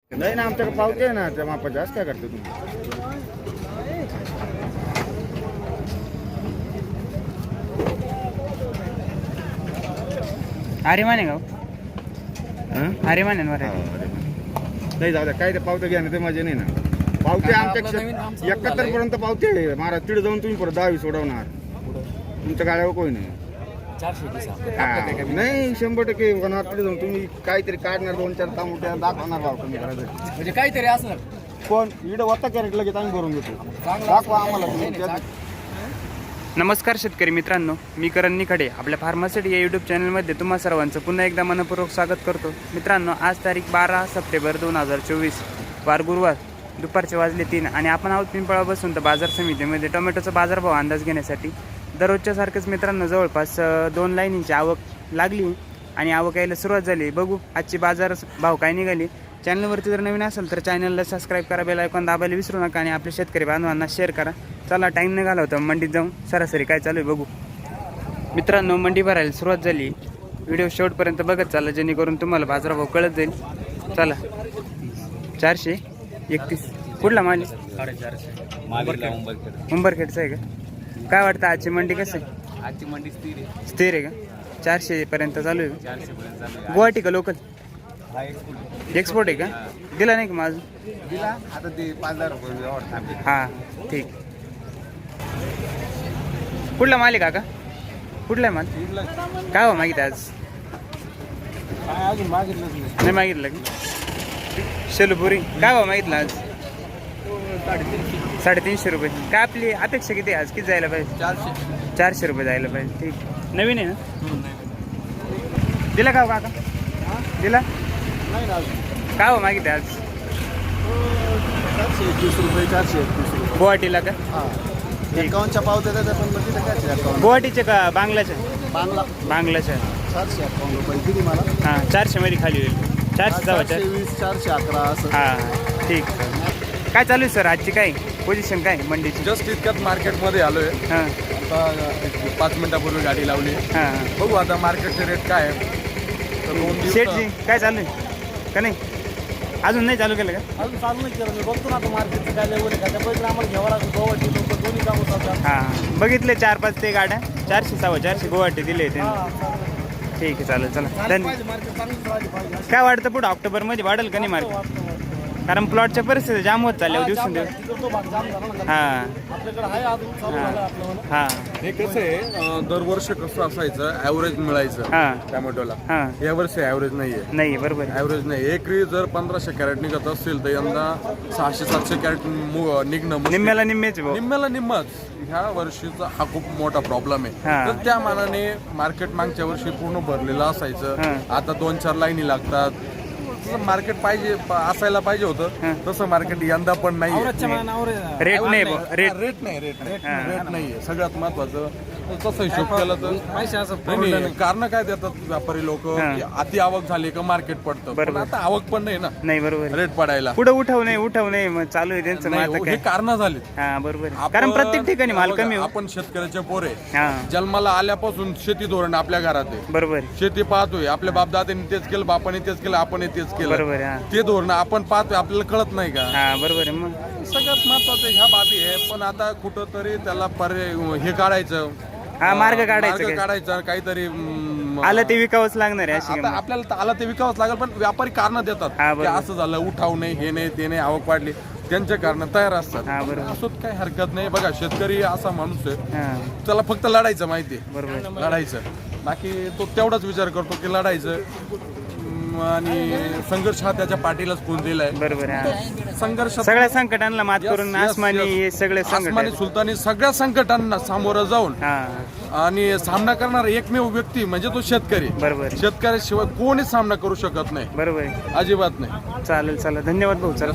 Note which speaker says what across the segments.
Speaker 1: नाही ना, आमच्याकडे पावते आहे ना त्या मापाच्या. असं काय करतो तुम्ही?
Speaker 2: अरे माने गाव अरे माने
Speaker 1: नाही जाऊ द्या, काय ते पावते घ्या ना, ते मजा नाही ना. पावते आमच्या 71 पर्यंत पावते महाराज. तिथे जाऊन तुम्ही परत 10 सोडवणार. तुमच्या गाड्यावर कोणी नाही. नाही 100% होणार. तिथे जाऊन तुम्ही काहीतरी काढणार, 2-4 तांबुट्या दाखवणार भाव कमी करायचं
Speaker 3: म्हणजे काहीतरी असणार.
Speaker 1: कोण इकडे होता कॅरेट लगेच आम्ही भरून देतो. दाखवा आम्हाला तुम्ही.
Speaker 2: नमस्कार शेतकरी मित्रांनो, मी करण निखडे आपल्या फार्मासिटी या यूट्यूब चॅनलमध्ये तुम्हा सर्वांचं पुन्हा एकदा मनपूर्वक स्वागत करतो. मित्रांनो, आज तारीख 12 सप्टेंबर 2024 वार गुरुवार, दुपारचे वाजले 3 आणि आपण आहोत पिंपळा बसून तर बाजार समितीमध्ये टोमॅटोचा बाजारभाव अंदाज घेण्यासाठी. दररोजच्या सारखंच मित्रांनो, जवळपास 2 लाईनींची आवक लागली आणि आवक यायला सुरुवात झाली. बघू आजची बाजार भाव काय निघाली. चॅनलवरती जर नवीन असेल तर चॅनलला सबस्क्राईब करा, बेल आयकॉन दाबायला विसरू नका आणि आपल्या शेतकरी बांधवांना शेअर करा. चला, टाईम नाही घालवता, मंडीत जाऊन सरासरी काय चालू आहे बघू. मित्रांनो, मंडी भरायला सुरुवात झाली. व्हिडिओ शेवटपर्यंत बघत चालला, जेणेकरून तुम्हाला बाजारभाव कळत जाईल. चला, 431 कुठला माल? 450 उंबरखेडचा आहे का? काय वाटतं आजची मंडी कसं आहे?
Speaker 3: आजची मंडी
Speaker 2: स्थिर आहे का? 400 पर्यंत चालू आहे.
Speaker 3: 400 पर्यंत चालू आहे.
Speaker 2: गुवाहाटी का लोकल? एक्सपोर्ट आहे का? दिला नाही का माझं?
Speaker 1: दिला आता ते 5000 रुपये.
Speaker 2: हां, ठीक. कुठला माल आहे काका? कुठला आहे माल? काय हो मागितलं आज?
Speaker 1: अजून मागितलं
Speaker 2: नाही मागितलं का? शेलपुरी काय हो मागितलं आज? 350 रुपये. काय आपली अपेक्षा किती आहे आज? किती जायला पाहिजे? 400 रुपये जायला पाहिजे. ठीक, नवीन आहे ना? दिला का हो काका? दिला
Speaker 1: नाही ना.
Speaker 2: काय हो मागितलं आज?
Speaker 1: 421 रुपये. 431 रुपये
Speaker 2: गुवाहाटीला का?
Speaker 1: हां. 51च्या पावत्या त्याच्या पण मग तिथे काय 51
Speaker 2: गुवाहाटीचे का बांगलाच्या? बांगलाच्या
Speaker 1: 451 रुपये किती मला?
Speaker 2: हां, 400 मध्ये खाली होईल. 400 जावा
Speaker 1: 420 411 असं.
Speaker 2: हां, ठीक. काय चालू आहे सर आजची? काय पोझिशन काय मंडीची?
Speaker 4: जस्ट इतक्यात मार्केटमध्ये आलोय.
Speaker 2: हां
Speaker 4: आता 5 मिनिटापूर्वी गाडी लावली.
Speaker 2: हां.
Speaker 4: बघू आता मार्केटचे रेट काय आहे. तर 2 दिवस
Speaker 2: शेठजी काय चालू आहे का नाही? अजून नाही चालू केलं का?
Speaker 1: अजून चालू नाही केलं. मी बघतो ना आता मार्केटचं काय लेवल आहे का. त्या पैसे आम्हाला घ्यावं लागेल. गोवाटी लोक दोन्ही काम होतात.
Speaker 2: हां, बघितले 4-5 ते गाड्या. 400 400 गुवाहाटी दिले ते. ठीक आहे, चालेल. चला, धन्यवाद.
Speaker 1: मार्केट चांगलं राहिलं पाहिजे.
Speaker 2: काय वाटतं पुढं ऑक्टोबरमध्ये वाढेल का नाही मार्केट? कारण प्लॉटच्या परिस्थिती जाम होत चालल्या दिवसेंदिवस.
Speaker 1: तो भाग जाम झाला ना.
Speaker 2: हां
Speaker 1: आपल्याकडे आहे अजून चालू झालं आपलं.
Speaker 2: हां
Speaker 4: हे कसं आहे, दरवर्षी कसं असायचं, ॲव्हरेज मिळायचं
Speaker 2: हां
Speaker 4: टोमॅटोला.
Speaker 2: हां.
Speaker 4: यावर्षी ॲव्हरेज नाहीये.
Speaker 2: नाही, बरोबर आहे.
Speaker 4: ॲव्हरेज नाही. एकरी जर 1500 कॅरेट निघत असेल तर यंदा 600-700 कॅरेट निघणं मुश्किल.
Speaker 2: निम्म्याला निम्मेच भाऊ.
Speaker 4: निम्म्याला निम्मच. ह्या वर्षीचा हा खूप मोठा प्रॉब्लेम आहे.
Speaker 2: हां.
Speaker 4: तर त्या मानाने मार्केट मागच्या वर्षी पूर्ण भरलेलं असायचं.
Speaker 2: हां.
Speaker 4: आता 2-4 लाईनी लागतात. तसं मार्केट पाहिजे असायला पाहिजे
Speaker 2: हां.
Speaker 4: होतं. तसं मार्केट यंदा पण नाही.
Speaker 2: रेट नाही भाऊ, रेट.
Speaker 4: रेट नाही
Speaker 2: हां.
Speaker 4: रेट नाहीये. सगळ्यात महत्वाचं तसं हिशोब केला तर नाही. कारण काय देतात व्यापारी लोक,
Speaker 2: हां.
Speaker 4: अति आवक झाली का मार्केट पडतं. पण
Speaker 2: बरोबर.
Speaker 4: आता आवक पण नाही ना
Speaker 2: नाही, बरोबर आहे.
Speaker 4: रेट पडायला.
Speaker 2: पुढे उठव नाही मग चालू आहे त्यांचं. मग
Speaker 4: नाही,
Speaker 2: आता
Speaker 4: हे
Speaker 2: काय?
Speaker 4: कारण झाली.
Speaker 2: हां, बरोबर आहे. कारण प्रत्येक ठिकाणी माल कमी हो.
Speaker 4: आपण शेतकऱ्याचे पोरे.
Speaker 2: हां,
Speaker 4: जन्माला आल्यापासून शेती धोरण आपल्या घरात आहे.
Speaker 2: बरोबर आहे.
Speaker 4: शेती पाहतोय. आपल्या बापदादांनी तेच केलं, बापाने तेच केलं, आपण तेच केलं.
Speaker 2: बरोबर आहे. हां
Speaker 4: ते धोरण आपण पाहतोय, आपल्याला कळत नाही का?
Speaker 2: हां, बरोबर आहे. मग
Speaker 4: सगळ्यात महत्वाचं ह्या बाबी आहे. पण आता कुठंतरी त्याला हे काढायचं.
Speaker 2: हा, मार्ग काढायचं काय?
Speaker 4: काढायचा काहीतरी.
Speaker 2: आलं ते विकावंच लागणार आहे अशी
Speaker 4: आता
Speaker 2: गंमत.
Speaker 4: आपल्याला आला ते विकावंच लागेल. पण व्यापारी कारण देतात
Speaker 2: हा,
Speaker 4: की
Speaker 2: बरोबर.
Speaker 4: असं झालं, उठाव नाही, हे नाही, ते नाही, आवक वाढली. त्यांचे कारण तयार असतात.
Speaker 2: हा, बरोबर.
Speaker 4: असोत काही हरकत नाही. बघा, शेतकरी असा माणूस आहे,
Speaker 2: हां,
Speaker 4: त्याला फक्त लढायचं माहिती आहे.
Speaker 2: बरोबर.
Speaker 4: लढायचं. बाकी तो तेवढाच विचार करतो की लढायचं. आणि संघर्ष हा त्याच्या पाठीलाच फोन दिलाय.
Speaker 2: बरोबर आहे.
Speaker 4: संघर्ष
Speaker 2: सगळ्या संकटांना मात करून आसमानी हे सगळे संकट
Speaker 4: आसमानी
Speaker 2: आहेत.
Speaker 4: सुलतानी सगळ्या संकटांना सामोरं जाऊन
Speaker 2: हां,
Speaker 4: आणि सामना करणारा एकमेव व्यक्ती म्हणजे तो शेतकरी.
Speaker 2: बरोबर आहे.
Speaker 4: शेतकऱ्याशिवाय कोणीच सामना करू शकत नाही.
Speaker 2: बरोबर आहे.
Speaker 4: अजिबात नाही.
Speaker 2: चालेल, चला, धन्यवाद भाऊ. चला,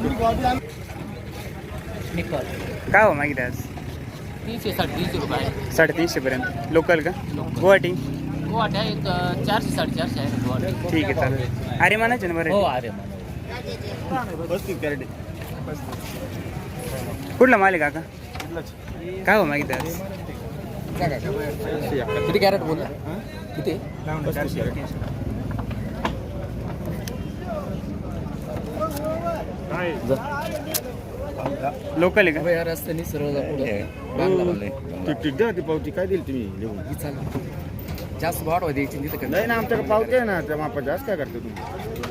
Speaker 2: काय हो मागितलं आज?
Speaker 3: 300-350 रुपये.
Speaker 2: 350 पर्यंत. लोकल का? गुवाहाटी?
Speaker 3: गुवाहाटी आहे 400-450 आहे गुवाहाटी.
Speaker 2: ठीक आहे, चालेल. अरे म्हणायचे ना बरं.
Speaker 3: हो, अरे
Speaker 2: कुठला माल आहे काका? काय हो मागितलं आज?
Speaker 3: किती कॅरेट बोलला? किती?
Speaker 2: लोकल आहे का?
Speaker 3: या रस्त्याने सरळ
Speaker 1: ठीक द्या ती पावती काय दिली तुम्ही लिहून
Speaker 3: जास्त वाढवा द्यायची तिथं
Speaker 1: नाही ना आमच्याकडे पावती आहे ना त्या मापा जास्त काय करते तुम्ही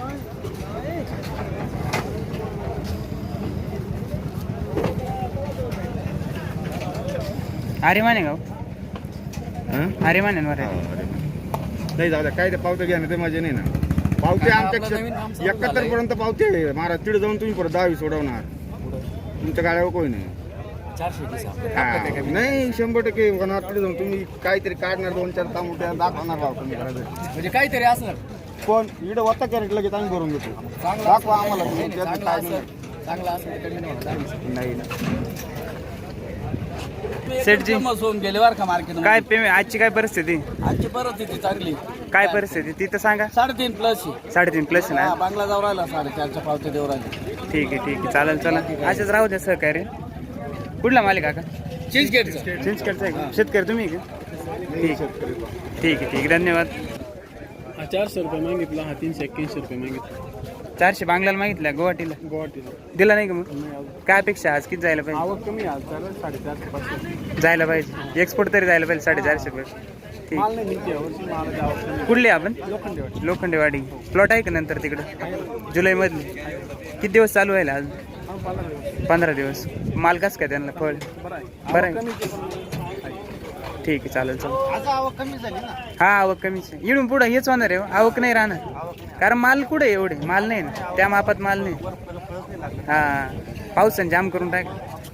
Speaker 2: अरे माने गाव अरे माने
Speaker 1: नाही जाऊ द्या काय ते पावत्या घ्या ना ते मजा नाही ना पावते आमच्या 71 पर्यंत पावते महाराज तिथे जाऊन तुम्ही परत 10 सोडवणार तुमच्या गाड्यावर कोणी नाही
Speaker 3: 420
Speaker 1: नाही 100% होणार तिथे जाऊन तुम्ही काहीतरी काढणार 2-4 तामुट्या दाखवणार भाव तुम्ही करायचं
Speaker 3: म्हणजे काहीतरी असणार
Speaker 1: पण इकडे वत्ता कॅरेट लगेच आम्ही भरून घेतो दाखवा आम्हाला तुम्ही त्यात काय नाही.
Speaker 3: चांगला असं
Speaker 1: नाही ना
Speaker 2: सेठजी
Speaker 3: होऊन गेले बर का मार्केट
Speaker 2: काय पेमेंट आजची काय परिस्थिती?
Speaker 3: आजची परिस्थिती चांगली
Speaker 2: काय परिस्थिती ती तर सांगा.
Speaker 3: 3.5 प्लस
Speaker 2: 3.5 प्लस ना.
Speaker 3: बांगला जाऊ राहिला 4.5च्या पावत्या देऊ राहिले
Speaker 2: ठीक आहे चालेल चला असेच राहू द्या सहकार्य. कुठला मालिक काका?
Speaker 3: चीजगेटचं
Speaker 2: चिंचखेडचा आहे का? शेतकरी तुम्ही आहे का? ठीक आहे धन्यवाद.
Speaker 5: 400 रुपये मागितला हा 381 रुपये मागितला
Speaker 2: 400 बांगलाला मागितल्या गुवाहाटीला दिला नाही का मग? काय अपेक्षा आज किती जायला पाहिजे?
Speaker 5: आवक कमी आज चालेल 450
Speaker 2: जायला पाहिजे एक्सपोर्ट तरी जायला पाहिजे 450 रुपये. ठीक
Speaker 5: माल नाही निघते यावर्षी मालाची आवक कमी.
Speaker 2: कुठले आपण?
Speaker 5: लोखंडेवाडी
Speaker 2: लोखंडेवाडी प्लॉट आहे का नंतर तिकडे जुलैमधले? किती दिवस चालू आहे आज? 15 दिवस. माल कसं काय त्यांना फळ बरं आहे? ठीक आहे चालेल
Speaker 1: आवक कमी झाली ना
Speaker 2: हा आवक कमीच आहे. इडून पुढं हेच होणार आहे आवक नाही राहणार कारण माल कुठे एवढे माल नाही ना त्या मापात माल नाही. हा पावसाने जाम करून टाक.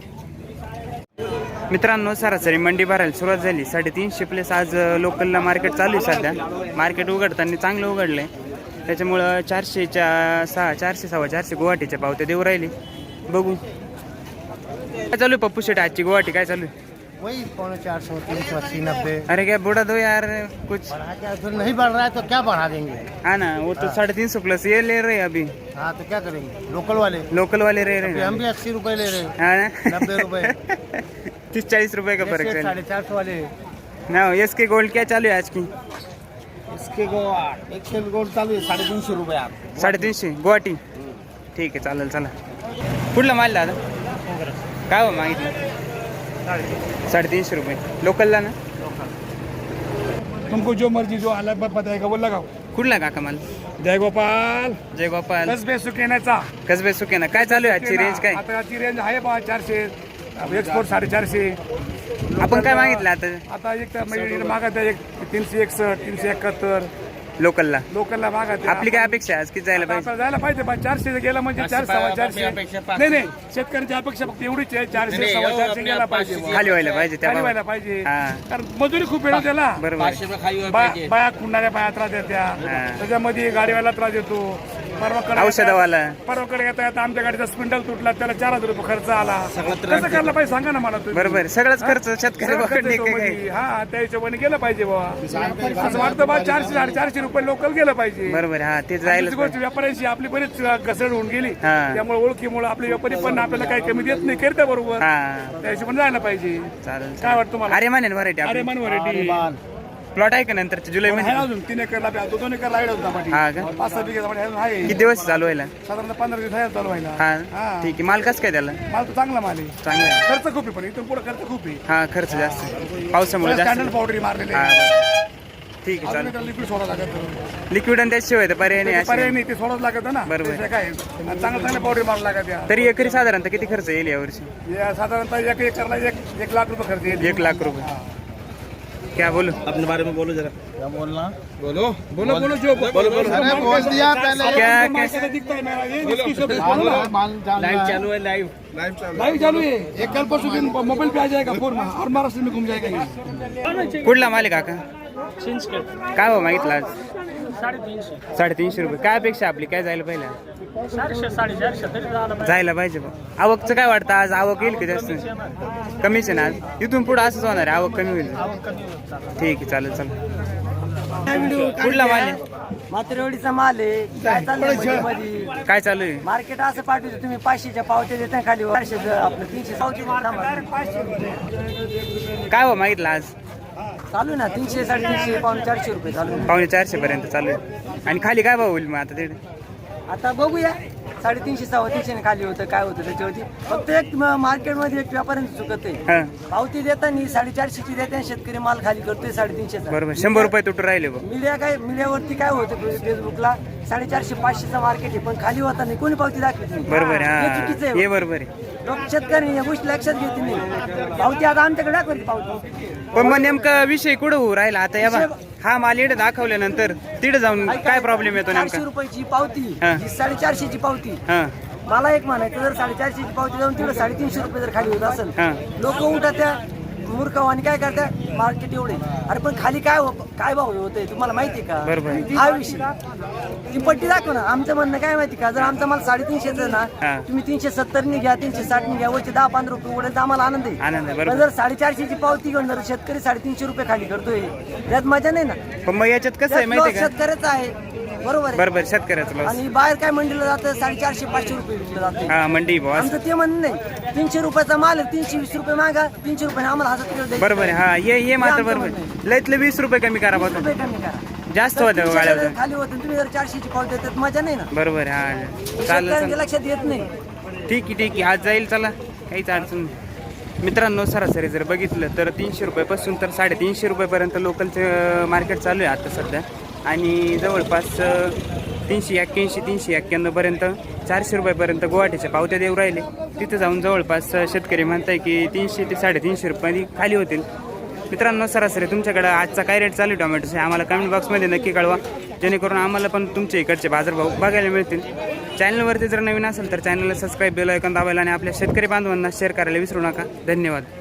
Speaker 2: मित्रांनो सरासरी मंडी भरायला सुरुवात झाली 350 प्लस आज लोकलला मार्केट चालू आहे सध्या. मार्केट उघडताना चांगलं उघडलं आहे त्याच्यामुळं 400च्या 400 सव्वा 400 गुवाहाटीच्या पावत्या देऊ राहिली. बघू काय चालू आहे पप्पू शेट आजची गुवाहाटी काय चालू आहे?
Speaker 6: वही 450, 380, 90
Speaker 2: अरे क्या बुढ़ा दो यार कुछ.
Speaker 6: बढ़ा क्या फिर नहीं बढ़ रहा है तो क्या बढ़ा देंगे?
Speaker 2: हाँ ना वो तो 350 प्लस ये ले रहे हैं अभी
Speaker 6: हाँ तो क्या करेंगे लोकल वाले
Speaker 2: लोकल वाले रह रहे
Speaker 6: अभी
Speaker 2: हैं
Speaker 6: हम भी 80 रुपए ले रहे हैं
Speaker 2: हाँ ना
Speaker 6: 90 रुपए
Speaker 2: 30-40 रुपए का फर्क है
Speaker 6: 450 वाले
Speaker 2: ना. एस के गोल्ड क्या चालू है आज की?
Speaker 6: इसके गोल्ड एक के गोल्ड चालू है 350 रुपए आप
Speaker 2: 350 गुवाहाटी. ठीक आहे चालेल चला. कुठला माल दादा काय हो मागितलं? 350 रुपये लोकलला ना.
Speaker 5: तुमको जो मर्जी जो अलग बताएगा वो लगाओ.
Speaker 2: कुठला काका माल?
Speaker 5: जय गोपाल
Speaker 2: जय गोपाल
Speaker 5: कसबे सुकेनाचा
Speaker 2: कसबे सुके ना. काय चालू आहे आजची रेंज काय?
Speaker 5: आता याची रेंज आहे 400 एक्सपोर्ट 450.
Speaker 2: आपण काय मागितलं आता
Speaker 5: आता एक तर म्हणजे मागत आहे एक 361 371
Speaker 2: लोकलला?
Speaker 5: लोकलला मागत आहे.
Speaker 2: आपली काय अपेक्षा आहे आज किती जायला पाहिजे?
Speaker 5: आपल्याला जायला पाहिजे पण 400 गेला म्हणजे 400 नाही शेतकऱ्यांची अपेक्षा फक्त एवढीच आहे 400 450 गेला पाहिजे बुवा.
Speaker 2: खाली व्हायला पाहिजे त्या
Speaker 5: खाली
Speaker 2: भावात.
Speaker 5: व्हायला पाहिजे
Speaker 2: हा.
Speaker 5: कारण मजुरी खूप वेळ त्याला
Speaker 2: बरोबर आहे.
Speaker 5: बाया खुंडणाऱ्या बाया त्रास देत्या
Speaker 2: हा.
Speaker 5: त्याच्यामध्ये गाडीवाला त्रास देतो. परवाकडे
Speaker 2: औषधवाला
Speaker 5: परवाकडे येता येता आमच्या गाडीचा स्पिंडल तुटला त्याला 4000 रुपये खर्च आला. कसं करायला पाहिजे सांगा ना मला तुम्ही.
Speaker 2: बरोबर आहे. सगळंच खर्च शेतकरी
Speaker 5: सगळं खर्च
Speaker 2: पकडणे
Speaker 5: येतो
Speaker 2: काय
Speaker 5: मध्ये. हा त्या हिशोबाने गेलं पाहिजे बाबा असं वाटतं बा 400 450 रुपये लोकल गेलं पाहिजे.
Speaker 2: बरोबर आहे. हा ते जायला
Speaker 5: दुसरी गोष्ट व्यापाऱ्यांशी आपली बरीच घसरण होऊन गेली
Speaker 2: हा.
Speaker 5: त्यामुळे ओळखीमुळे आपले व्यापारी पण आपल्याला काही कमी देत नाही करता बरोबर
Speaker 2: हा
Speaker 5: त्या हिशोबाने जायला पाहिजे.
Speaker 2: चालेल
Speaker 5: काय वाटतं तुम्हाला?
Speaker 2: अरे माने व्हरायटी
Speaker 5: अरे
Speaker 2: आपली
Speaker 5: मन व्हरायटी
Speaker 2: प्लॉट आहे का नंतर जुलै
Speaker 5: आहे
Speaker 2: मध्ये?
Speaker 5: अजून 3 एकरला 2 एकरला आहे अजून टमाटे.
Speaker 2: हा का?
Speaker 5: 5-6 बिघे टमाटे अजून आहे
Speaker 2: किती दिवस चालू व्हायला?
Speaker 5: साधारणतः 15 दिवस आहे चालू व्हायला.
Speaker 2: हा
Speaker 5: हा.
Speaker 2: ठीक आहे. माल कसं काय त्याला?
Speaker 5: माल तर चांगला माल आहे
Speaker 2: चांगला आहे.
Speaker 5: खर्च खूप आहे पण इथून पुढे खर्च खूप आहे.
Speaker 2: हा खर्च जास्त आहे. पावसामुळे जास्त
Speaker 5: स्टँडर्ड पावडर मारलेले
Speaker 2: हा बरं. ठीक आहे चालेल.
Speaker 5: लिक्विड सोडा लागत
Speaker 2: लिक्विड आणि त्याशिवाय तर पर्याय नाही
Speaker 5: पर्याय
Speaker 2: अशी.
Speaker 5: नाही ते सोडाच लागत ना.
Speaker 2: बरोबर.
Speaker 5: त्याशिवाय काय आणि चांगल्या पावडर मारावं लागत या.
Speaker 2: तरी एकरी साधारणतः किती खर्च येईल यावर्षी?
Speaker 5: या साधारणतः 1 एकरला 1 लाख रुपये खर्च येईल.
Speaker 2: 1 लाख रुपये. क्या बोलो
Speaker 1: अपने बारे में बोलो जरा
Speaker 6: क्या बोलना
Speaker 5: बोलो जो
Speaker 1: बोलो
Speaker 6: अरे बोल दिया पहले
Speaker 2: क्या
Speaker 5: कैसे दिखता है मेरा ये जिसकी शब्द बोलो ना.
Speaker 6: लाइव चालू है
Speaker 5: लाइव चालू है एक कल परसों दिन मोबाइल पे आ जाएगा फोन में और महाराष्ट्र में घूम जाएगा ये.
Speaker 2: कुठला मालिक काका? काय हो मागितलं आज? 350 रुपये. काय अपेक्षा आपली काय जायला पाहिजे?
Speaker 3: 400-450
Speaker 2: जायला पाहिजे बा. आवकचं काय वाटतं आज आवक येईल की जास्त? कमीच आहे ना आज. इथून पुढे असंच होणार आहे आवक कमी होईल. ठीक आहे चालेल चालेल. कुठला माल आहे?
Speaker 7: मात्रेवाडीचा माल आहे. काय चाललंय मध्ये
Speaker 2: काय चालू आहे?
Speaker 7: मार्केट असं पाठवतो तुम्ही 500च्या पावत्या देता खाली 400 आपलं 300 पावती
Speaker 2: काय हो मागितलं आज?
Speaker 7: चालू ना 300 350 पावणे 400 रुपये चालू आहे.
Speaker 2: 450 पर्यंत चालू आहे. आणि खाली काय भाव होईल मग आता तिथे?
Speaker 7: आता बघूया 350 350 खाली होतं काय होतं त्याच्यावरती फक्त एक मार्केटमध्ये एक व्यापाऱ्यांची चुकत आहे
Speaker 2: हा
Speaker 7: पावती देताना 450ची देते शेतकरी माल खाली करतोय 350
Speaker 2: बरोबर 100 रुपये तुटून राहिले बघ.
Speaker 7: मीडियावरती काय होतं फेसबुकला 450 500चा मार्केट आहे पण खाली होता नाही कोणी पावती दाखवत नाही
Speaker 2: बरोबर
Speaker 7: हे
Speaker 2: हा
Speaker 7: चुकीचं
Speaker 2: हे
Speaker 7: आहे
Speaker 2: बरोबर आहे.
Speaker 7: लोक शेतकरी या गोष्टी लक्षात घेत नाही पावती आता आमच्याकडे दाखवली पावती
Speaker 2: पण मग नेमका विषय कुठं होऊ राहिला आता या बा हा माल इकडे दाखवल्यानंतर तिकडे जाऊन काय प्रॉब्लेम येतो
Speaker 7: 400
Speaker 2: नेमका.
Speaker 7: रुपयाची पावती
Speaker 2: हा.
Speaker 7: ही 450ची पावती
Speaker 2: हा
Speaker 7: मला एक म्हणायचं जर 450ची पावती जाऊन तिकडे 350 रुपये जर खाली होत असेल
Speaker 2: हा.
Speaker 7: लोक उठा त्या मूर्ख आणि काय करतात मार्केट एवढे अरे पण खाली काय भाव होतंय तुम्हाला माहिती का
Speaker 2: बरोबर.
Speaker 7: हा विषय ती पट्टी दाखव ना आमचं म्हणणं काय माहिती का जर आमचा माल 350 ना
Speaker 2: हा. तुम्ही
Speaker 7: तुम्ही 370 घ्या 360 घ्या वरचे 10-15 रुपये उडेल तर आम्हाला आनंद आहे
Speaker 2: आनंद आहे,
Speaker 7: पण
Speaker 2: बरोबर.
Speaker 7: जर 450ची पावती घेऊन जर शेतकरी 350 रुपये खाली करतोय त्यात मजा नाही ना
Speaker 2: पण मग याच्यात कसं आहे
Speaker 7: त्यात
Speaker 2: माहिती
Speaker 7: loss
Speaker 2: आहे
Speaker 7: शेतकऱ्याचा आहे बरोबर आहे
Speaker 2: बरोबर शेतकऱ्याचं लॉस.
Speaker 7: आणि बाहेर काय मंडीला जातं 450-500 रुपये विकलं जातं
Speaker 2: हा मंडी बॉस
Speaker 7: आमचं ते म्हणणं नाही 300 रुपयाचा माल आहे 320 रुपये मागा 300 रुपये आम्हाला 1000 किलो द्यायचे.
Speaker 2: बरोबर आहे. हा हे मात्र
Speaker 7: आमचं
Speaker 2: बरोबर
Speaker 7: म्हणणं
Speaker 2: लयतले 20 रुपये कमी करा बघ.
Speaker 7: रुपये कमी करा
Speaker 2: जास्त
Speaker 7: तर
Speaker 2: होतं
Speaker 7: 300
Speaker 2: गाड्या
Speaker 7: जर खाली होते तुम्ही जर 400ची पावती देतात मजा नाही ना
Speaker 2: बरोबर आहे. हा चालेल
Speaker 7: शेतकऱ्यांच्या
Speaker 2: चालेल
Speaker 7: लक्षात येत नाही
Speaker 2: ठीक आहे ठीक आहे आज जाईल चला काहीच अडचण नाही. मित्रांनो सरासरी जर बघितलं तर 300 रुपयापासून तर 350 रुपयेपर्यंत लोकलचं मार्केट चालू आहे आता सध्या आणि जवळपास 381 391 पर्यंत 400 रुपयापर्यंत गुवाहाटीच्या पावत्या देऊ राहिले. तिथं जाऊन जवळपास शेतकरी म्हणताय की 300 ते 350 रुपये खाली होतील. मित्रांनो सरासरी तुमच्याकडं आजचा काय रेट चालू आहे टोमॅटोचे आम्हाला कमेंट बॉक्समध्ये नक्की कळवा जेणेकरून आम्हाला पण तुमच्या इकडचे बाजारभाव बघायला मिळतील. चॅनलवरती जर नवीन असेल तर चॅनलला सबस्क्राईब बेल आयकॉन दाबायला आणि आपल्या शेतकरी बांधवांना शेअर करायला विसरू नका. धन्यवाद.